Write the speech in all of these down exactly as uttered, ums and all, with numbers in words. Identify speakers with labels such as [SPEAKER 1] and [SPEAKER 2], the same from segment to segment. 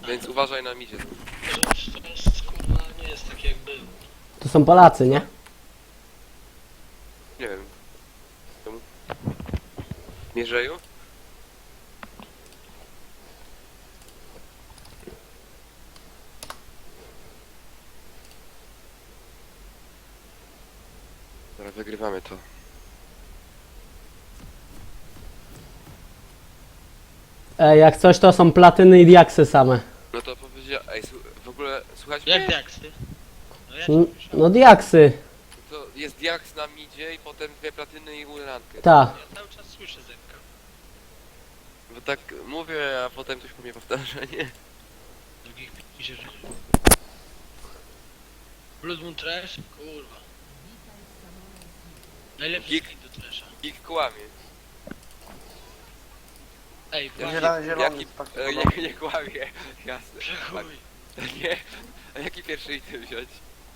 [SPEAKER 1] Więc uważaj na midzie.
[SPEAKER 2] To to jest, kurwa, nie jest tak jak był.
[SPEAKER 3] To są Polacy, nie?
[SPEAKER 1] Nie wiem. Czemu? Mierzeju? Dobra, wygrywamy to.
[SPEAKER 3] E, jak coś to są platyny i diaksy same.
[SPEAKER 1] No to powiedział, ej, słu- w ogóle słuchajcie
[SPEAKER 2] Jak
[SPEAKER 1] mnie?
[SPEAKER 2] diaksy? No ja cię
[SPEAKER 3] N-
[SPEAKER 2] słyszałem.
[SPEAKER 3] No diaksy,
[SPEAKER 1] To jest diaks na midzie i potem dwie platyny i urankę.
[SPEAKER 3] ta.
[SPEAKER 2] Ja cały czas słyszę Zenka.
[SPEAKER 1] Bo tak mówię, a potem ktoś po mnie powtarza, nie?
[SPEAKER 2] Drugich pisze, że... Blood Moon Trash? Kurwa. Najlepszy
[SPEAKER 1] Geek.
[SPEAKER 2] skin do Trasha.
[SPEAKER 1] Ich kłamie.
[SPEAKER 2] Ej,
[SPEAKER 1] Jaki,
[SPEAKER 2] właśnie,
[SPEAKER 4] Zielony, zielony,
[SPEAKER 1] jaki,
[SPEAKER 4] tak
[SPEAKER 1] e,
[SPEAKER 4] podobnie.
[SPEAKER 1] nie, nie kłamie, jasne.
[SPEAKER 2] przechuj.
[SPEAKER 1] Nie, a jaki pierwszy item wziąć?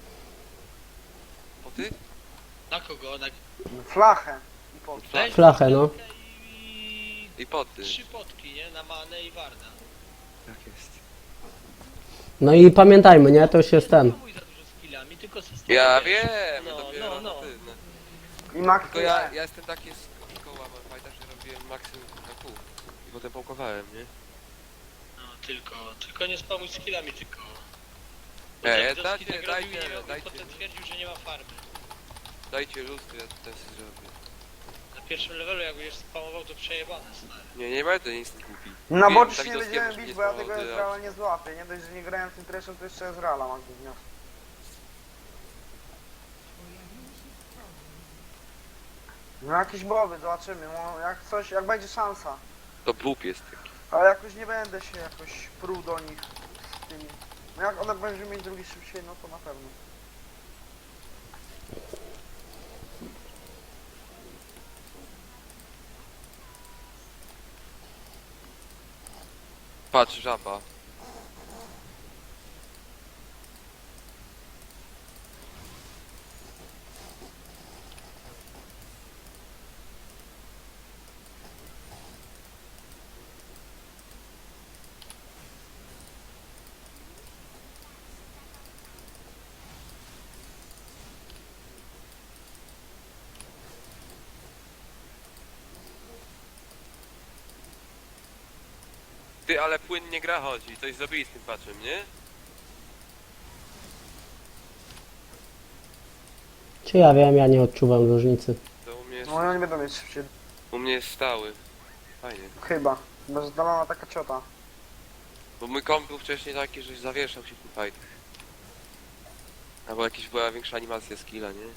[SPEAKER 1] Po ty?
[SPEAKER 2] Na kogo? Na...
[SPEAKER 4] Flachę. I po...
[SPEAKER 2] Weź
[SPEAKER 3] Flachę, no.
[SPEAKER 2] I...
[SPEAKER 1] I po ty.
[SPEAKER 2] Trzy potki, nie? Na Manę i Warda.
[SPEAKER 1] Tak jest.
[SPEAKER 3] No i pamiętajmy, nie? To już jest ten.
[SPEAKER 2] Nie hamuj za dużo skillami, tylko system.
[SPEAKER 1] Ja wiem,
[SPEAKER 2] No,
[SPEAKER 1] dopiero
[SPEAKER 2] no, no.
[SPEAKER 1] na ty, no.
[SPEAKER 4] I Max
[SPEAKER 1] Tylko ja, ja jestem taki z koła fajta, że robiłem maksimum na pół. I potem połkowałem, nie?
[SPEAKER 2] No, tylko, tylko nie spamuj skillami, tylko...
[SPEAKER 1] Ej,
[SPEAKER 2] Jak
[SPEAKER 1] dajcie,
[SPEAKER 2] Doski tak
[SPEAKER 1] dajcie,
[SPEAKER 2] robił i nie miał, i
[SPEAKER 1] dajcie.
[SPEAKER 2] potem twierdził, że nie ma farmy.
[SPEAKER 1] Dajcie lustro, ja tutaj sobie zrobię.
[SPEAKER 2] Na pierwszym levelu jak będziesz spamował, to przejebane, stary.
[SPEAKER 1] Nie, nie będę nic głupi.
[SPEAKER 4] Na
[SPEAKER 1] Wiem,
[SPEAKER 4] bocie
[SPEAKER 1] tak
[SPEAKER 4] się nie
[SPEAKER 1] doskiem
[SPEAKER 4] będziemy
[SPEAKER 1] już
[SPEAKER 4] bić,
[SPEAKER 1] nie
[SPEAKER 4] bo ja
[SPEAKER 1] spało,
[SPEAKER 4] tego
[SPEAKER 1] to
[SPEAKER 4] Ezreala nie złapię. Nie dość, że nie grałem tym treszem, to jeszcze Ezreala mam gówniał. No jakieś boby, zobaczymy. No, jak coś, jak będzie szansa.
[SPEAKER 1] To bób jest taki.
[SPEAKER 4] Ale jakoś nie będę się jakoś pruł do nich z tymi. No jak one będą mieć drugi szybciej, no to na pewno.
[SPEAKER 1] Patrz, żaba. Ty, ale płynnie gra chodzi, coś zrobili z tym patchem, nie?
[SPEAKER 3] Czy ja wiem, ja nie odczuwam różnicy.
[SPEAKER 1] To u mnie jest,
[SPEAKER 4] No oni nie będą mieć szybciej.
[SPEAKER 1] u mnie jest stały. Fajnie.
[SPEAKER 4] Chyba. Chyba, że zdalona taka ciota.
[SPEAKER 1] Bo mój komp był wcześniej taki, że zawieszał się w tym fightach. Albo jakaś była większa animacja skilla, nie?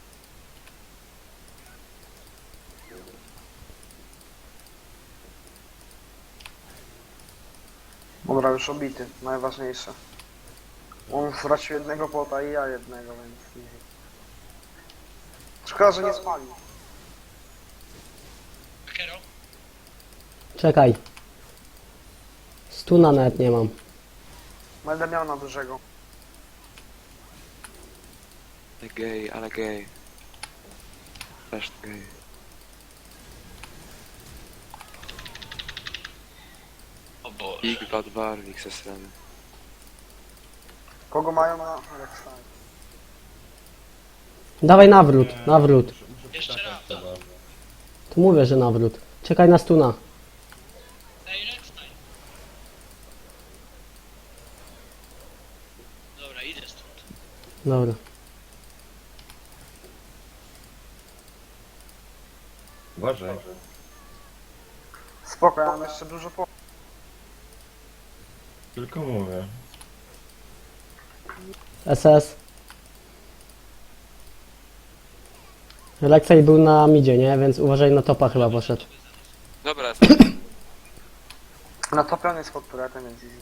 [SPEAKER 4] Dobra, już obity. Najważniejsze. On stracił jednego pota i ja jednego, więc... Szkoda, że nie spalił.
[SPEAKER 2] Kero?
[SPEAKER 3] Czekaj. Stuna nawet nie mam.
[SPEAKER 4] Będę miał na dużego.
[SPEAKER 1] Ale gej, ale gej. Też gej.
[SPEAKER 2] O Boże.
[SPEAKER 1] Big Bad Barwik ze strony.
[SPEAKER 4] Kogo mają na Alexa?
[SPEAKER 3] Dawaj nawrót, nawrót.
[SPEAKER 2] Jeszcze raz.
[SPEAKER 3] Tu mówię, że nawrót. Czekaj na stuna.
[SPEAKER 2] Ej, next time. Dobra, idę stąd.
[SPEAKER 3] Dobra.
[SPEAKER 5] Uważaj.
[SPEAKER 4] Spoko, ja mam jeszcze dużo po...
[SPEAKER 5] Tylko mówię.
[SPEAKER 3] S S. Alexej był na midzie, nie? Więc uważaj, na topa chyba poszedł.
[SPEAKER 1] Dobra,
[SPEAKER 4] Na topiony jest pod turetem, więc easy.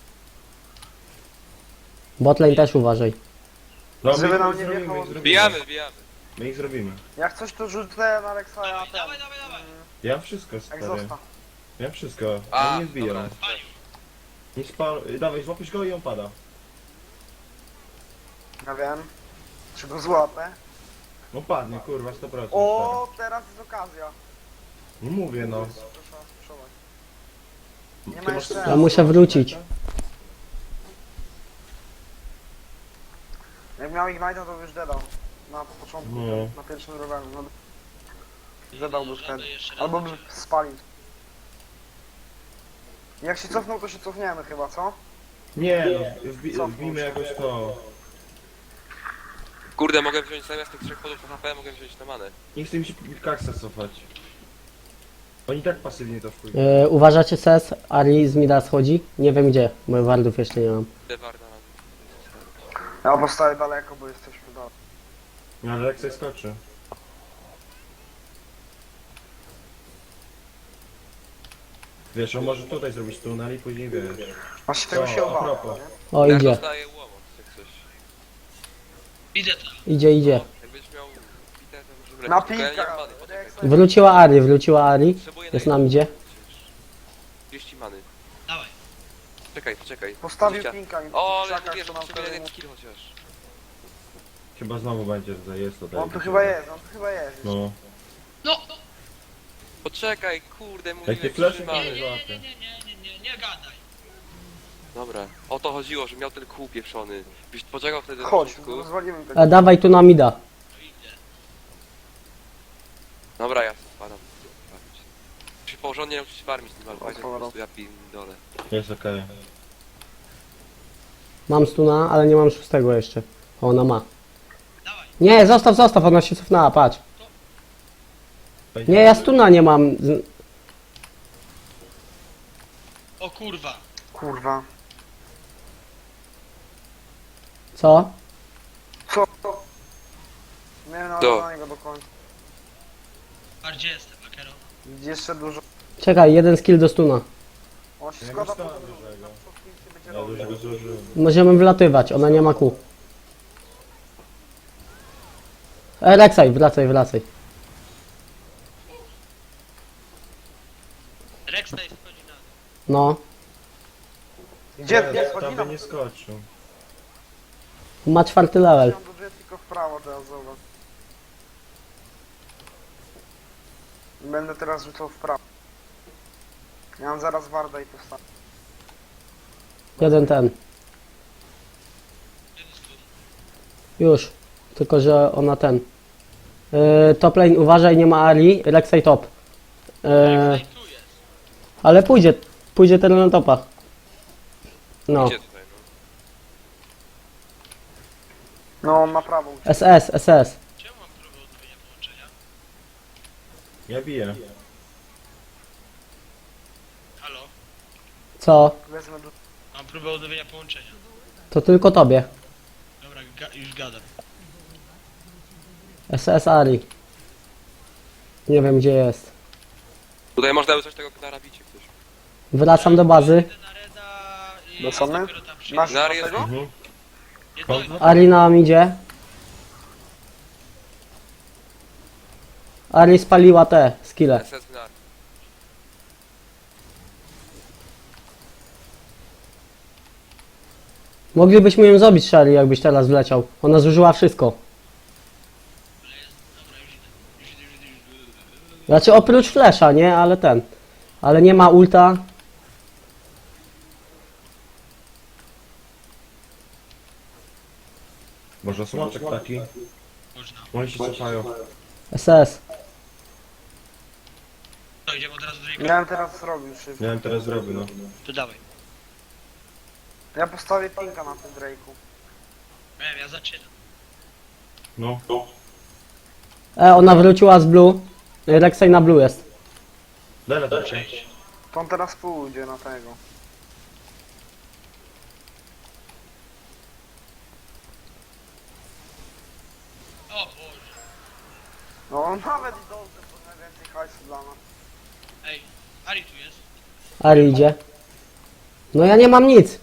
[SPEAKER 3] Botlane też uważaj.
[SPEAKER 5] No,
[SPEAKER 4] Żeby
[SPEAKER 5] my
[SPEAKER 4] nam
[SPEAKER 5] ich
[SPEAKER 4] nie
[SPEAKER 5] zrobimy,
[SPEAKER 4] wjechało-
[SPEAKER 5] my ich zrobimy.
[SPEAKER 1] bijamy, bijamy.
[SPEAKER 5] My ich zrobimy.
[SPEAKER 4] Jak coś to rzucę na Alexa, ja
[SPEAKER 2] Dawaj,
[SPEAKER 4] ten...
[SPEAKER 2] dawaj, dawaj, dawaj.
[SPEAKER 5] Ja wszystko, stary.
[SPEAKER 4] Egzosta.
[SPEAKER 5] Ja wszystko.
[SPEAKER 1] A,
[SPEAKER 5] On nie wbija.
[SPEAKER 1] dobra.
[SPEAKER 2] Palił.
[SPEAKER 5] Nie spal... Dawaj, złapiesz go i on pada.
[SPEAKER 4] Ja wiem. Czy go złapę?
[SPEAKER 5] No padnie, kurwa, sto procent.
[SPEAKER 4] O, teraz jest okazja.
[SPEAKER 5] No mówię, no.
[SPEAKER 4] Proszę sprzedać. Nie
[SPEAKER 5] Ty
[SPEAKER 4] ma
[SPEAKER 5] masz
[SPEAKER 4] jeszcze...
[SPEAKER 3] Ja muszę wrócić.
[SPEAKER 4] miał Ignite'a, to by już dedał. Na początku,
[SPEAKER 5] No.
[SPEAKER 4] na pierwszym rowerze. No, dedałby
[SPEAKER 2] Żaden
[SPEAKER 4] wtedy.
[SPEAKER 2] jeszcze raz
[SPEAKER 4] Albo by
[SPEAKER 2] znaczy.
[SPEAKER 4] spalił. Jak się cofnął, to się cofniemy chyba, co?
[SPEAKER 5] Nie no, wbi
[SPEAKER 4] Co?
[SPEAKER 5] wbijmy jakoś to.
[SPEAKER 1] Kurde, mogę wziąć zamiast tych trzech podów H P, mogę wziąć na manę.
[SPEAKER 5] Nie chcę mi się kaksa cofać. Oni tak pasywnie to wpłyną.
[SPEAKER 3] Yy, uważacie S S? Ari z Mida schodzi? Nie wiem gdzie, bo wardów jeszcze nie mam.
[SPEAKER 1] Idę Warda na...
[SPEAKER 4] Ja postawię daleko, bo jesteśmy dalej.
[SPEAKER 5] No ale jak sobie skoczy. Wiesz, on może tutaj zrobić tunel i później wiesz.
[SPEAKER 4] Właśnie tego
[SPEAKER 5] O,
[SPEAKER 4] się
[SPEAKER 5] a
[SPEAKER 4] obawiam,
[SPEAKER 5] propos.
[SPEAKER 4] nie?
[SPEAKER 3] O,
[SPEAKER 1] Ja
[SPEAKER 3] idzie,
[SPEAKER 1] dostaję łomot, jak coś.
[SPEAKER 2] Idę tam.
[SPEAKER 3] idzie, idzie.
[SPEAKER 1] Jakbyś miał bite, to możemy
[SPEAKER 4] Na
[SPEAKER 1] lecieć. Tylko ja nie
[SPEAKER 4] pika!
[SPEAKER 1] mam many, poczekaj.
[SPEAKER 3] Wróciła Ari, wróciła Ari.
[SPEAKER 1] Potrzebuję
[SPEAKER 3] Jest
[SPEAKER 1] na
[SPEAKER 3] nam idzie.
[SPEAKER 1] trzydzieści many.
[SPEAKER 2] Dawaj.
[SPEAKER 1] Czekaj, poczekaj.
[SPEAKER 4] Postawił
[SPEAKER 1] dwadzieścia.
[SPEAKER 4] pinka i
[SPEAKER 1] O, ale
[SPEAKER 4] krzakach,
[SPEAKER 1] wiesz,
[SPEAKER 4] to
[SPEAKER 1] że
[SPEAKER 4] nam
[SPEAKER 1] potrzebuję
[SPEAKER 4] wtedy
[SPEAKER 1] jeden
[SPEAKER 4] mu-
[SPEAKER 1] skill chociaż.
[SPEAKER 5] Chyba znowu będzie tutaj, jest tutaj.
[SPEAKER 4] On tu chyba jest, on tu chyba jest.
[SPEAKER 5] No.
[SPEAKER 2] No!
[SPEAKER 1] Poczekaj, kurde,
[SPEAKER 5] Jak
[SPEAKER 1] mówiłem
[SPEAKER 5] nie flash,
[SPEAKER 1] trzy
[SPEAKER 5] to
[SPEAKER 2] Nie,
[SPEAKER 1] many.
[SPEAKER 2] nie, nie, nie, nie, nie, nie, nie gadaj.
[SPEAKER 1] Dobra, o to chodziło, że miał ten kół pieprzony. Byś poczekał wtedy na
[SPEAKER 4] Chodź,
[SPEAKER 1] początku.
[SPEAKER 4] rozwalimy
[SPEAKER 3] E,
[SPEAKER 4] tego.
[SPEAKER 3] dawaj tu na Mida.
[SPEAKER 2] To idę.
[SPEAKER 1] Dobra, ja spadam. Muszę porządnie nauczyć się farmić z tym alfajtem, po
[SPEAKER 4] Otworzę.
[SPEAKER 1] prostu ja pindolę.
[SPEAKER 5] Jest okej.
[SPEAKER 3] Mam stuna, ale nie mam szóstego jeszcze. O, ona ma.
[SPEAKER 2] Dawaj.
[SPEAKER 3] Nie, zostaw, zostaw, ona się cofnęła, patrz. Nie, ja stuna nie mam. Z-
[SPEAKER 2] O kurwa.
[SPEAKER 4] Kurwa.
[SPEAKER 3] Co?
[SPEAKER 4] Co? Nie wiem
[SPEAKER 1] To.
[SPEAKER 4] na niego do końca.
[SPEAKER 2] Bardziej jestem, Akero.
[SPEAKER 4] Jeszcze dużo.
[SPEAKER 3] Czekaj, jeden skill do stuna.
[SPEAKER 4] On się
[SPEAKER 5] Ja
[SPEAKER 4] składa
[SPEAKER 5] go
[SPEAKER 4] po
[SPEAKER 5] stałem
[SPEAKER 4] dużo.
[SPEAKER 5] dużego.
[SPEAKER 4] Tam wszystkim się będzie
[SPEAKER 5] Ja
[SPEAKER 4] robił.
[SPEAKER 5] dużego zużyłem.
[SPEAKER 3] Możemy wlatywać, ona nie ma kół. E, Rek'Sai, wracaj, wracaj.
[SPEAKER 2] Rex tutaj wchodzi na dół.
[SPEAKER 3] No.
[SPEAKER 4] Gdzie?
[SPEAKER 5] Nie,
[SPEAKER 4] Nie,
[SPEAKER 5] tam
[SPEAKER 4] schodzi
[SPEAKER 5] by
[SPEAKER 4] nam.
[SPEAKER 5] nie skoczył.
[SPEAKER 3] Ma czwarty level.
[SPEAKER 4] On do drzwi tylko w prawo teraz, zobacz. Będę teraz rzucał w prawo. Ja mam zaraz Warda i postawię.
[SPEAKER 3] Jeden ten.
[SPEAKER 2] Jeden stun.
[SPEAKER 3] Już. Tylko, że ona ten. Yy, top lane, uważaj, nie ma Ari. Rek'Sai top. Yy,
[SPEAKER 2] Rex tutaj tu jest.
[SPEAKER 3] ale pójdzie. Pójdzie ten na topa. No.
[SPEAKER 1] Idzie tutaj, no.
[SPEAKER 4] No, on ma prawo uciec.
[SPEAKER 3] S S, S S.
[SPEAKER 2] Czemu mam próbę odnowienia połączenia?
[SPEAKER 5] Ja biję.
[SPEAKER 2] Halo?
[SPEAKER 3] Co?
[SPEAKER 4] Wezmę do...
[SPEAKER 2] Mam próbę odnowienia połączenia.
[SPEAKER 3] To tylko tobie.
[SPEAKER 2] Dobra, ga już gadam.
[SPEAKER 3] S S Ari. Nie wiem gdzie jest.
[SPEAKER 1] Tutaj można by coś tego na rabicie ktoś.
[SPEAKER 3] Wracam do bazy.
[SPEAKER 2] Idę na Reda i
[SPEAKER 4] Do co my?
[SPEAKER 2] dopiero tam przyjdę.
[SPEAKER 4] Masz
[SPEAKER 1] Zary
[SPEAKER 4] do
[SPEAKER 1] jest
[SPEAKER 4] tego?
[SPEAKER 5] Mhm.
[SPEAKER 2] Jedno,
[SPEAKER 3] Ari nam idzie. Ari spaliła te skille.
[SPEAKER 1] S S Gnar.
[SPEAKER 3] Moglibyśmy ją zabić, Shari, jakbyś teraz wleciał. Ona zużyła wszystko.
[SPEAKER 2] dobra, już idę. Już idę, już idę, już idę.
[SPEAKER 3] Znaczy oprócz flesza, nie? Ale ten. Ale nie ma ulta.
[SPEAKER 5] Może smoczek taki?
[SPEAKER 2] Można.
[SPEAKER 5] Oni się cofają.
[SPEAKER 3] S S.
[SPEAKER 2] To idziemy od razu do Rika.
[SPEAKER 4] Miałem teraz zrobił szybko.
[SPEAKER 5] Nie wiem, teraz zrobię, no.
[SPEAKER 2] To dawaj.
[SPEAKER 4] Ja postawię pinka na tym Drake'u.
[SPEAKER 2] Wiem, ja zaczynam.
[SPEAKER 5] No.
[SPEAKER 3] E, ona wróciła z blue. Rek'Sai na blue jest.
[SPEAKER 5] Dele to
[SPEAKER 2] Cześć.
[SPEAKER 4] To on teraz pójdzie na tego.
[SPEAKER 2] O Boże.
[SPEAKER 4] No on nawet i dobrze, bo najwięcej hajsu dla nas.
[SPEAKER 2] Ej, Ari tu jest.
[SPEAKER 3] Ari idzie. No ja nie mam nic.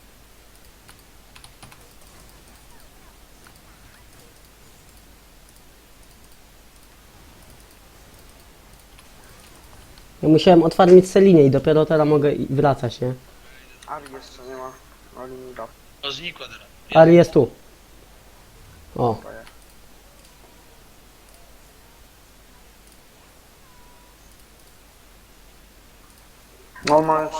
[SPEAKER 3] Ja musiałem otwarmić Celinie i dopiero teraz mogę i- wracać, nie?
[SPEAKER 4] Ari jeszcze nie ma. Ari mi da.
[SPEAKER 2] O, znikła teraz.
[SPEAKER 3] Ari jest tu. O.
[SPEAKER 4] No on ma już...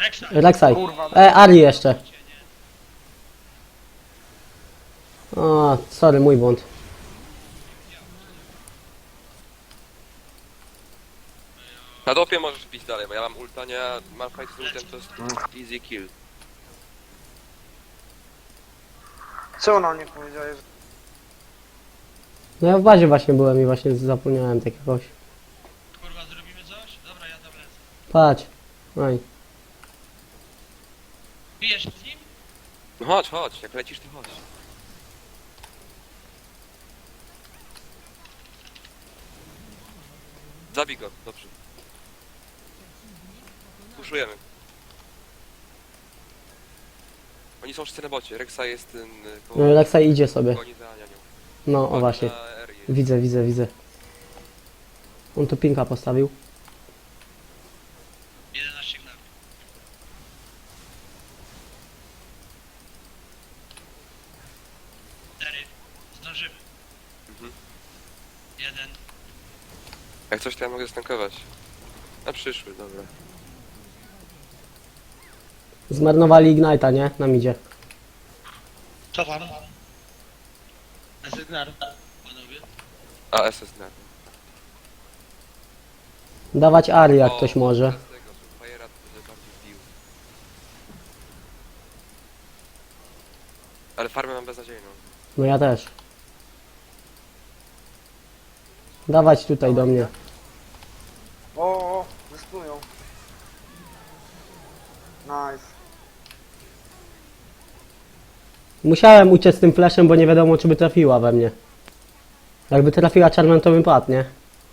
[SPEAKER 2] Reksa.
[SPEAKER 3] Rek'Sai.
[SPEAKER 4] Kurwa.
[SPEAKER 3] E, Ari jeszcze. O, sorry, mój błąd.
[SPEAKER 1] Na dopie możesz pić dalej, bo ja mam ulta, nie? A Malphite z ultem to jest easy kill.
[SPEAKER 4] Co na mnie powiedziałeś? że-
[SPEAKER 3] No ja w bazie właśnie byłem i właśnie zapomniałem takiego.
[SPEAKER 2] Kurwa, zrobimy coś? Dobra, ja tam lecę.
[SPEAKER 3] Patrz. Oj.
[SPEAKER 2] Bijesz z nim?
[SPEAKER 1] No chodź, chodź, jak lecisz to chodź. Zabij go, dobrze. Puszujemy. Oni są wszyscy na bocie, Rek'Sai jest ten... y, koło-
[SPEAKER 3] No Rek'Sai idzie sobie.
[SPEAKER 1] Goni za Anianią.
[SPEAKER 3] No, o
[SPEAKER 1] Goni
[SPEAKER 3] właśnie.
[SPEAKER 1] na Arię.
[SPEAKER 3] Widzę, widzę, widzę. On tu pinka postawił.
[SPEAKER 2] jedenaście gnami. cztery. Zdążymy.
[SPEAKER 1] Mhm.
[SPEAKER 2] Jeden.
[SPEAKER 1] Jak coś to ja mogę stankować. Na przyszły, dobra.
[SPEAKER 3] Zmarnowali Ignite'a, nie? Nam idzie.
[SPEAKER 2] Cofam. Asygnar. Panowie.
[SPEAKER 1] A, S S na.
[SPEAKER 3] Dawać Ari, jak
[SPEAKER 1] O,
[SPEAKER 3] ktoś może.
[SPEAKER 1] teraz tego, żeby Fajera to będzie bardziej wbił. Ale farmę mam beznadziejną.
[SPEAKER 3] No ja też. Dawać tutaj do mnie.
[SPEAKER 4] O, o, wystują. Nice.
[SPEAKER 3] Musiałem uciec z tym flashem, bo nie wiadomo, czy by trafiła we mnie. Jakby trafiła czarną, to bym padł, nie?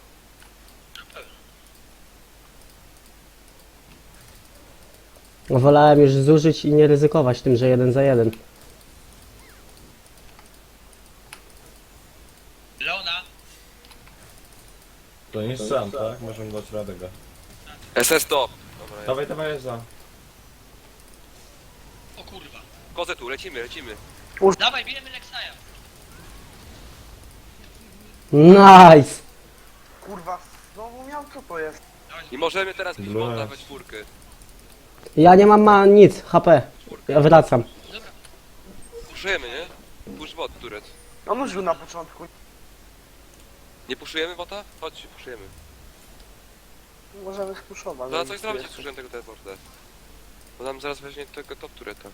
[SPEAKER 3] Wolałem już zużyć i nie ryzykować tym, że jeden za jeden.
[SPEAKER 2] Leona.
[SPEAKER 5] To nie jest sam, tak? Możemy dać radę go.
[SPEAKER 1] S S top! Dobra, jest.
[SPEAKER 5] Dawaj, dawaj, za.
[SPEAKER 2] O kurwa.
[SPEAKER 1] Kozę tu, lecimy, lecimy.
[SPEAKER 2] Dawaj, bijemy Rek'Sai'a.
[SPEAKER 3] Nice!
[SPEAKER 4] Kurwa, znowu miał, co to jest?
[SPEAKER 2] Dawaj,
[SPEAKER 1] I możemy teraz pić
[SPEAKER 5] Blue
[SPEAKER 1] bota
[SPEAKER 5] jest.
[SPEAKER 1] we czwórkę.
[SPEAKER 3] Ja nie mam ma nic, H P. Ja wracam.
[SPEAKER 2] Dobra.
[SPEAKER 1] Puszujemy, nie? Push bot, turet.
[SPEAKER 4] On już był na początku.
[SPEAKER 1] Nie puszujemy bota? Chodź, puszujemy.
[SPEAKER 4] Możemy spuszować.
[SPEAKER 1] To na coś zrobić, jak zużyłem tego teleporta. Bo nam zaraz weźmie tego top tureta.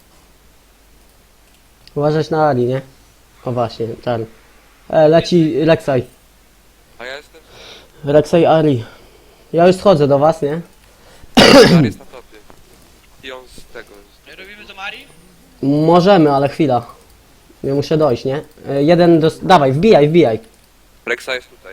[SPEAKER 3] Uważać na Ali, nie? O właśnie, czarny. E, leci Rek'Sai.
[SPEAKER 1] A ja jestem...
[SPEAKER 3] Rek'Sai Ari. Ja już schodzę do was, nie?
[SPEAKER 1] Dar jest na topie. I on z tego... Z...
[SPEAKER 2] Robimy to Mari?
[SPEAKER 3] Możemy, ale chwila. Ja muszę dojść, nie? E, jeden do... Dawaj, wbijaj, wbijaj.
[SPEAKER 1] Rek'Sai jest tutaj.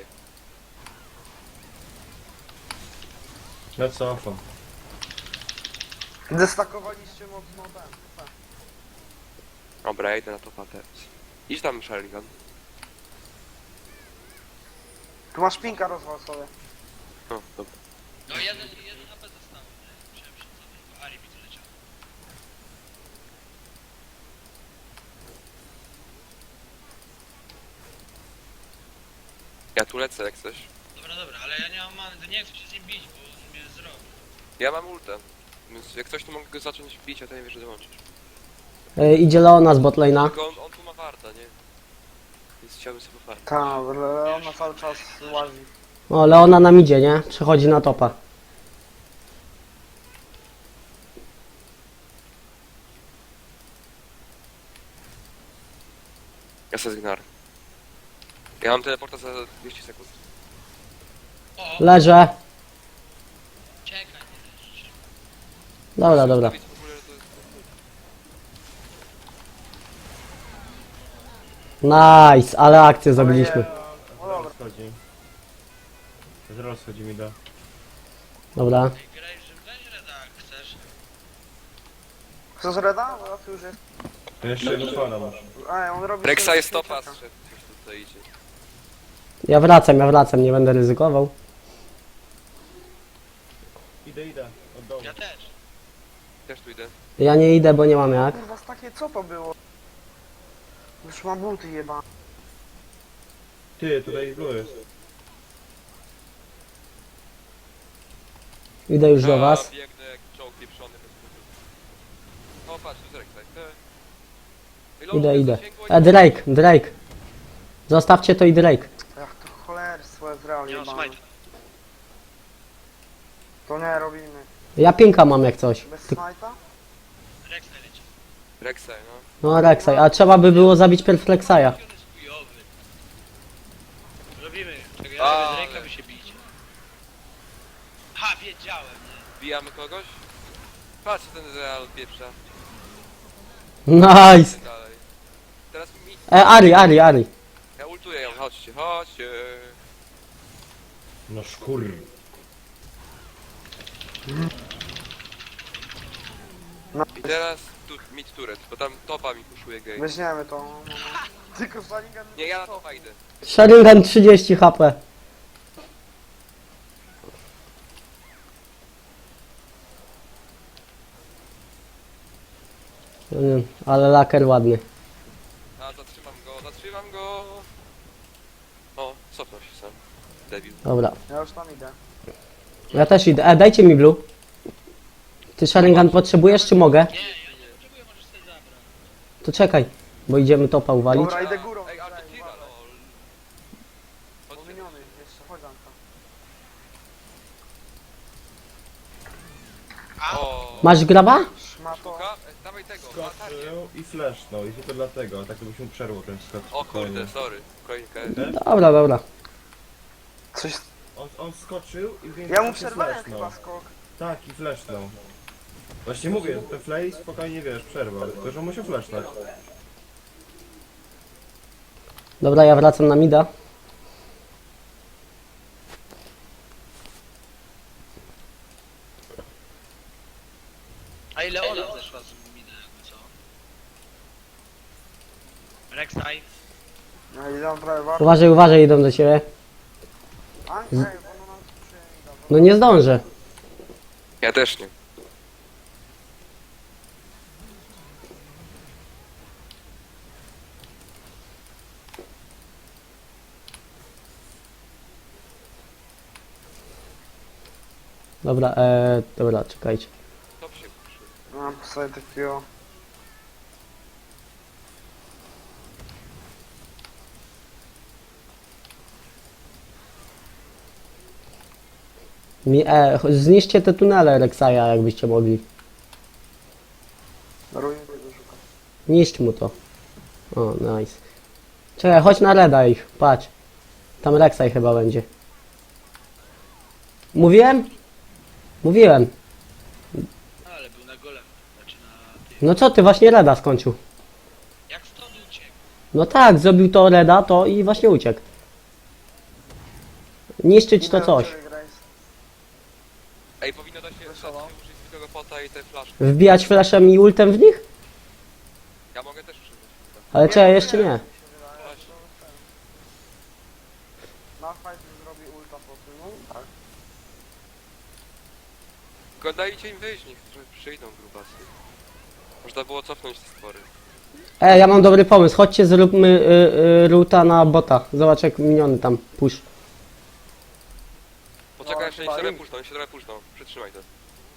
[SPEAKER 5] Ja cofam.
[SPEAKER 4] Destakowaliście mocno ten. ten.
[SPEAKER 1] Dobra, ja idę na topa teraz. Idź tam, Sharingan.
[SPEAKER 4] Tu masz pinka, rozwal sobie.
[SPEAKER 1] No, dobra.
[SPEAKER 2] No jeden, jeden A P został. nie? Musiałem się cofnąć, bo Ari mi tu leciał.
[SPEAKER 1] Ja tu lecę jak coś.
[SPEAKER 2] Dobra, dobra, ale ja nie mam many, to nie chcę się z nim bić, bo on mnie zrobi.
[SPEAKER 1] Ja mam ultę. Więc jak coś to mogę go zacząć bić, a to nie wiesz, że dołączyć.
[SPEAKER 3] E, idzie Leona z botlane'a.
[SPEAKER 1] Tylko on, on tu ma warta, nie? Więc chciałbym sobie pofarmić.
[SPEAKER 4] Tak, ale ona cały czas łazi.
[SPEAKER 3] O, Leona nam idzie, nie? Przechodzi na topa.
[SPEAKER 1] Ja se zgnar. Ja mam teleporta za dwieście sekund.
[SPEAKER 2] O,
[SPEAKER 3] Leżę.
[SPEAKER 2] czekaj, nie leżysz.
[SPEAKER 3] Dobra, dobra.
[SPEAKER 1] Ustawić w ogóle, to jest-
[SPEAKER 3] Nice, ale akcję zrobiliśmy.
[SPEAKER 4] No dobra.
[SPEAKER 5] Schodzi. Zaraz schodzi mi do.
[SPEAKER 3] Dobra.
[SPEAKER 2] Ej, graj, że weź Reda, jak chcesz.
[SPEAKER 4] Chcesz Reda? Bo ja tu już jest.
[SPEAKER 5] To jeszcze jedno fana masz.
[SPEAKER 4] Ej, on robi...
[SPEAKER 1] Rek'Sai
[SPEAKER 4] sobie
[SPEAKER 1] jest topa,
[SPEAKER 4] śmieciaka.
[SPEAKER 1] zszedł, coś tutaj idzie.
[SPEAKER 3] Ja wracam, ja wracam, nie będę ryzykował.
[SPEAKER 5] Idę, idę. Od dołu.
[SPEAKER 2] Ja też.
[SPEAKER 1] Też tu idę.
[SPEAKER 3] Ja nie idę, bo nie mam jak.
[SPEAKER 4] Kurwa, z takie co to było? Już mam buty jeba.
[SPEAKER 5] Ty, tutaj blue jest.
[SPEAKER 3] Idę już do
[SPEAKER 1] A,
[SPEAKER 3] was.
[SPEAKER 1] biegnę jak czołg pieprzony. bez powodu. Chwilowo
[SPEAKER 3] Idę,
[SPEAKER 1] bez
[SPEAKER 3] idę.
[SPEAKER 1] zasięgu,
[SPEAKER 3] E, Drake, Drake. Zostawcie to i Drake.
[SPEAKER 4] Jak to cholerstwo jest realnie
[SPEAKER 2] Nie mam
[SPEAKER 4] jebane.
[SPEAKER 2] smajta.
[SPEAKER 4] To nie robimy.
[SPEAKER 3] Ja pinka mam jak coś.
[SPEAKER 4] Bez
[SPEAKER 3] Ty-
[SPEAKER 4] smajta?
[SPEAKER 2] Rex leci.
[SPEAKER 1] Rexaj, no.
[SPEAKER 3] No Rek'Sai, a trzeba by było zabić pierw Rek'Sai'a.
[SPEAKER 2] On jest chujowy. Robimy. Czekaj,
[SPEAKER 1] Ale.
[SPEAKER 2] ja z Drake'a by się bić. Ha, wiedziałem, nie?
[SPEAKER 1] Bijamy kogoś? Patrz ten Real pieprza.
[SPEAKER 3] Nice.
[SPEAKER 1] Dalej. Teraz mi...
[SPEAKER 3] E, Ari, Ari, Ari.
[SPEAKER 1] Ja ultuję ją, chodźcie, chodźcie.
[SPEAKER 5] No szkur.
[SPEAKER 1] I teraz tu, mid turret, bo tam topa mi puszuje gej.
[SPEAKER 4] Weźmiemy to. No, no. Tylko Sharingan
[SPEAKER 1] Nie, ja na topa idę.
[SPEAKER 3] Sharingan trzydzieści H P. Nie wiem, ale laker ładny.
[SPEAKER 1] A, zatrzymam go, zatrzymam go. O, cofnął się sam. Debil.
[SPEAKER 3] Dobra.
[SPEAKER 4] Ja już tam idę.
[SPEAKER 3] Ja też idę. E, dajcie mi blue. Ty Sharingan potrzebujesz, czy mogę?
[SPEAKER 2] Nie, ja nie potrzebuję, możesz sobie zabrać.
[SPEAKER 3] To czekaj, bo idziemy topa uwalić.
[SPEAKER 4] Dobra, idę górą.
[SPEAKER 1] Ej, ale to
[SPEAKER 4] Ej,
[SPEAKER 1] tira,
[SPEAKER 4] uważaj.
[SPEAKER 1] lol. Chodźcie.
[SPEAKER 4] Pominiony jeszcze, chodź Anka.
[SPEAKER 1] O,
[SPEAKER 3] Masz graba?
[SPEAKER 4] Szmato.
[SPEAKER 1] Szuka? E, dawaj tego, latarnię.
[SPEAKER 5] Skoczył i flashnął i tylko dlatego, tak to byś mu przerwał ten skok.
[SPEAKER 1] O kurde, sorry. Kolejkę.
[SPEAKER 3] Dobra, dobra.
[SPEAKER 4] Coś...
[SPEAKER 5] On, on skoczył i więc
[SPEAKER 4] Ja mu przerwałem chyba skok.
[SPEAKER 5] Tak, i flashnął. Właśnie mówię, ten flay spokojnie wiesz, przerwał, tylko że on musiał flashnąć.
[SPEAKER 3] Dobra, ja wracam na mida.
[SPEAKER 2] A ile ona zeszła z mina, jakby co? Rek'Sai.
[SPEAKER 4] No idę prawie bardzo.
[SPEAKER 3] Uważaj, uważaj, idą do ciebie.
[SPEAKER 4] Anka, ej, ono nam sprzyja.
[SPEAKER 3] No nie zdążę.
[SPEAKER 1] Ja też nie.
[SPEAKER 3] Dobra, e, dobra, czekajcie.
[SPEAKER 1] Top się puszy.
[SPEAKER 4] Mam sobie takiego...
[SPEAKER 3] Mi, e, cho- zniszczcie te tunele Rek'Sai'a, jakbyście mogli.
[SPEAKER 4] Ruin tego szukam.
[SPEAKER 3] Niszcz mu to. O, nice. Czekaj, chodź na reda ich, patrz. Tam Rek'Sai chyba będzie. Mówiłem? Mówiłem.
[SPEAKER 2] Ale był na golem. Znaczy na tym.
[SPEAKER 3] No co ty, właśnie reda skończył.
[SPEAKER 2] Jak stąd uciekł?
[SPEAKER 3] No tak, zrobił to reda, to i właśnie uciekł. Niszczyć to
[SPEAKER 4] Idę
[SPEAKER 3] coś.
[SPEAKER 4] do ciebie, Grace.
[SPEAKER 1] Ej, powinno da się, da się
[SPEAKER 4] Wesoło.
[SPEAKER 1] użyć zwykłego pota i te flaszki.
[SPEAKER 3] Wbijać flashem i ultem w nich?
[SPEAKER 1] Ja mogę też używać.
[SPEAKER 3] Ale czekaj, jeszcze nie.
[SPEAKER 4] Mi się wydaje, ale to ten. Malphite zrobi ulta po tym, no tak.
[SPEAKER 1] Tylko dajcie im wyjść, niech trochę przyjdą grubasy. Można było cofnąć te stwory.
[SPEAKER 3] E, ja mam dobry pomysł. Chodźcie, zróbmy y, y, ruta na bota. Zobacz jak miniony tam push.
[SPEAKER 1] Poczekaj,
[SPEAKER 4] No,
[SPEAKER 1] jeszcze niech
[SPEAKER 4] chyba
[SPEAKER 1] się trochę
[SPEAKER 4] im.
[SPEAKER 1] puszczą, niech się trochę puszczą. Przytrzymaj to.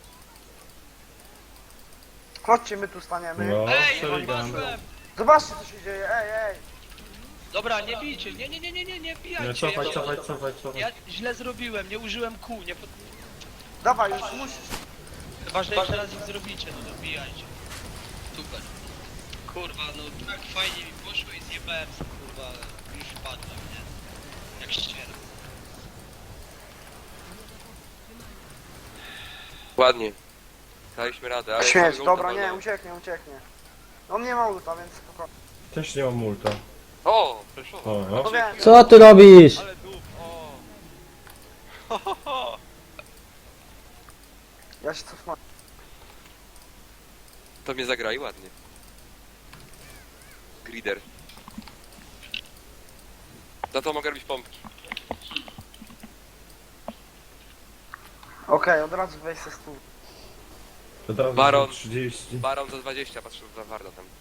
[SPEAKER 4] Chodźcie, my tu staniemy.
[SPEAKER 5] No,
[SPEAKER 2] Ej,
[SPEAKER 5] Sharingan.
[SPEAKER 2] padłem!
[SPEAKER 4] Zobaczcie co się dzieje, ej, ej.
[SPEAKER 2] Dobra, nie bijcie, nie, nie, nie, nie, nie, nie
[SPEAKER 5] Nie,
[SPEAKER 2] wbijajcie.
[SPEAKER 5] cofać,
[SPEAKER 2] ja,
[SPEAKER 5] cofać, cofać, cofać.
[SPEAKER 2] ja źle zrobiłem, nie użyłem kół, nie pod...
[SPEAKER 4] Dawaj, już musisz.
[SPEAKER 2] Chyba, że jeszcze raz ich zrobicie, no to wbijajcie. Super. Kurwa, no tak fajnie mi poszło i zjebałem się, kurwa, ale już wpadłem, nie? Jak ściera.
[SPEAKER 1] Ładnie. Daliśmy radę, ale...
[SPEAKER 4] Śmieć,
[SPEAKER 1] samego
[SPEAKER 4] dobra,
[SPEAKER 1] ulta
[SPEAKER 4] nie,
[SPEAKER 1] wolno.
[SPEAKER 4] ucieknie, ucieknie. On nie ma ulta, więc spokojnie.
[SPEAKER 5] Też nie mam multa.
[SPEAKER 1] O, preszowo.
[SPEAKER 5] O, no.
[SPEAKER 4] No wiem.
[SPEAKER 3] Co ty robisz?
[SPEAKER 1] Ale dup, o. Ho, ho, ho.
[SPEAKER 4] Ja się cofnę.
[SPEAKER 1] To mnie zagrali ładnie. Grider. Za to mogę robić pompki.
[SPEAKER 4] Okej, od razu weź se stół.
[SPEAKER 5] To teraz
[SPEAKER 1] Baron.
[SPEAKER 5] będzie trzydzieści.
[SPEAKER 1] Baron za dwadzieścia, patrzę za Warda tam.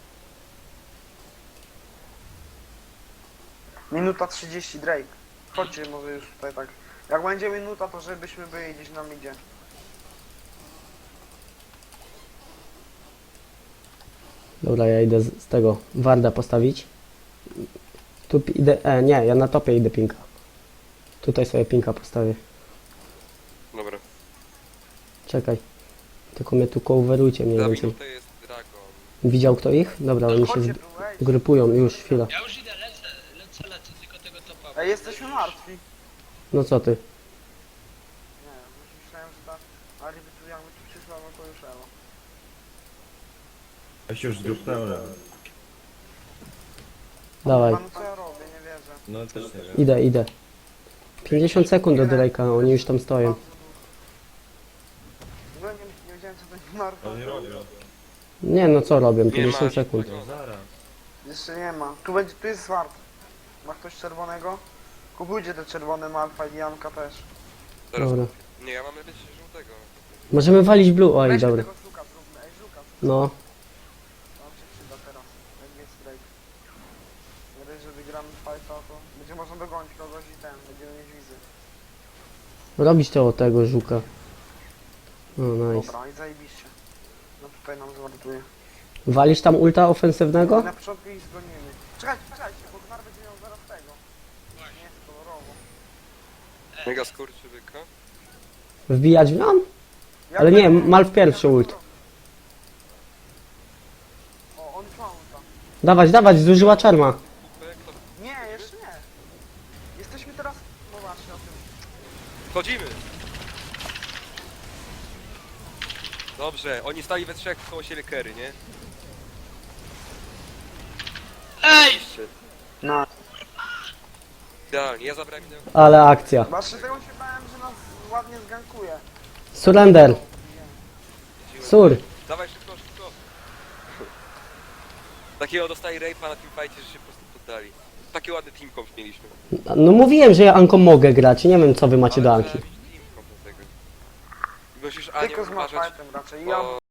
[SPEAKER 4] Minuta trzydzieści, Drake. Chodźcie może już tutaj tak. Jak będzie minuta, to żebyśmy byli gdzieś na midzie.
[SPEAKER 3] Dobra, ja idę z, z tego Warda postawić. Tu pi- idę, e, nie, ja na topie idę pinka. Tutaj sobie pinka postawię.
[SPEAKER 1] Dobra.
[SPEAKER 3] Czekaj. Tylko mnie tu coverujcie mniej
[SPEAKER 1] Za
[SPEAKER 3] więcej.
[SPEAKER 1] minutę jest Dragon.
[SPEAKER 3] Widział kto ich? Dobra, oni się
[SPEAKER 4] Chodźcie
[SPEAKER 3] z-
[SPEAKER 4] tu, ej.
[SPEAKER 3] grupują, już chwila.
[SPEAKER 2] Ja już idę, lecę, lecę, lecę, tylko tego topa.
[SPEAKER 4] Ej, jesteśmy martwi.
[SPEAKER 3] No co ty?
[SPEAKER 4] Nie, już myślałem, że ta Ali by tu jakby tu przyszła, no to już elo.
[SPEAKER 5] Ja się już zgrupnąłem.
[SPEAKER 3] Dawaj.
[SPEAKER 4] Panu co ja robię, nie wierzę.
[SPEAKER 5] No też nie wiem.
[SPEAKER 3] Idę, idę. pięćdziesiąt sekund do Drake'a, oni już tam stoją.
[SPEAKER 4] W ogóle nie, nie wiedziałem co to jest narko.
[SPEAKER 5] Ale nie robię.
[SPEAKER 3] Nie no co robię,
[SPEAKER 1] Nie
[SPEAKER 3] pięćdziesiąt
[SPEAKER 1] ma,
[SPEAKER 3] sekund.
[SPEAKER 5] No zaraz.
[SPEAKER 4] Jeszcze nie ma. Tu będzie, tu jest zwart. Ma ktoś czerwonego? Kupujcie te czerwone Malfa i Janka też.
[SPEAKER 1] Zaraz.
[SPEAKER 3] Dobra.
[SPEAKER 1] Nie, ja mam lepiej żółtego.
[SPEAKER 3] Możemy walić blue, oj
[SPEAKER 4] Weźmy
[SPEAKER 3] dobra.
[SPEAKER 4] tego żuka zróbmy, ej żuka.
[SPEAKER 3] No,
[SPEAKER 4] On się przyda teraz, jak jest break. Nie dość, że wygramy fajta, to będzie można dogonić kogoś i ten, będziemy mieć wizy.
[SPEAKER 3] robić to od tego żuka. No nice.
[SPEAKER 4] Dobra, i zajebiście. No tutaj nam zwartuje.
[SPEAKER 3] Walisz tam ulta ofensywnego?
[SPEAKER 4] Na początku ich zgonimy. Czekajcie, czekajcie, bo Gnar będzie miał zaraz tego. Nie, kolorowo.
[SPEAKER 1] Mega skurczybyka.
[SPEAKER 3] Wbijać w nią?
[SPEAKER 4] Jak
[SPEAKER 3] Ale nie,
[SPEAKER 4] będzie-
[SPEAKER 3] Malf pierwszy ult.
[SPEAKER 4] O, on ma ulta.
[SPEAKER 3] Dawać, dawać, zużyła czarma.
[SPEAKER 1] Kupek, to
[SPEAKER 4] Nie, jeszcze nie. Jesteśmy teraz... No właśnie, o tym.
[SPEAKER 1] wchodzimy! Dobrze, oni stali we trzech koło siebie kery, nie?
[SPEAKER 2] Ej!
[SPEAKER 1] Jeszcze.
[SPEAKER 4] No.
[SPEAKER 1] Idealnie, ja zabrałem innego.
[SPEAKER 3] Ale akcja.
[SPEAKER 4] Właśnie tego się bałem, że nas ładnie zgankuje.
[SPEAKER 3] Surrender. Sur.
[SPEAKER 1] Dawaj szybko, szybko. Takiego dostali rape'a na tym fajcie, że się po prostu poddali. Taki ładny team comp mieliśmy.
[SPEAKER 3] No mówiłem, że ja Anką mogę grać, nie wiem co wy macie do
[SPEAKER 1] Ale
[SPEAKER 3] Anki.
[SPEAKER 1] trzeba mieć team comp do tego. Musisz Anią
[SPEAKER 4] Tylko z
[SPEAKER 1] uważać,
[SPEAKER 4] Malfightem raczej.
[SPEAKER 1] bo
[SPEAKER 4] Ja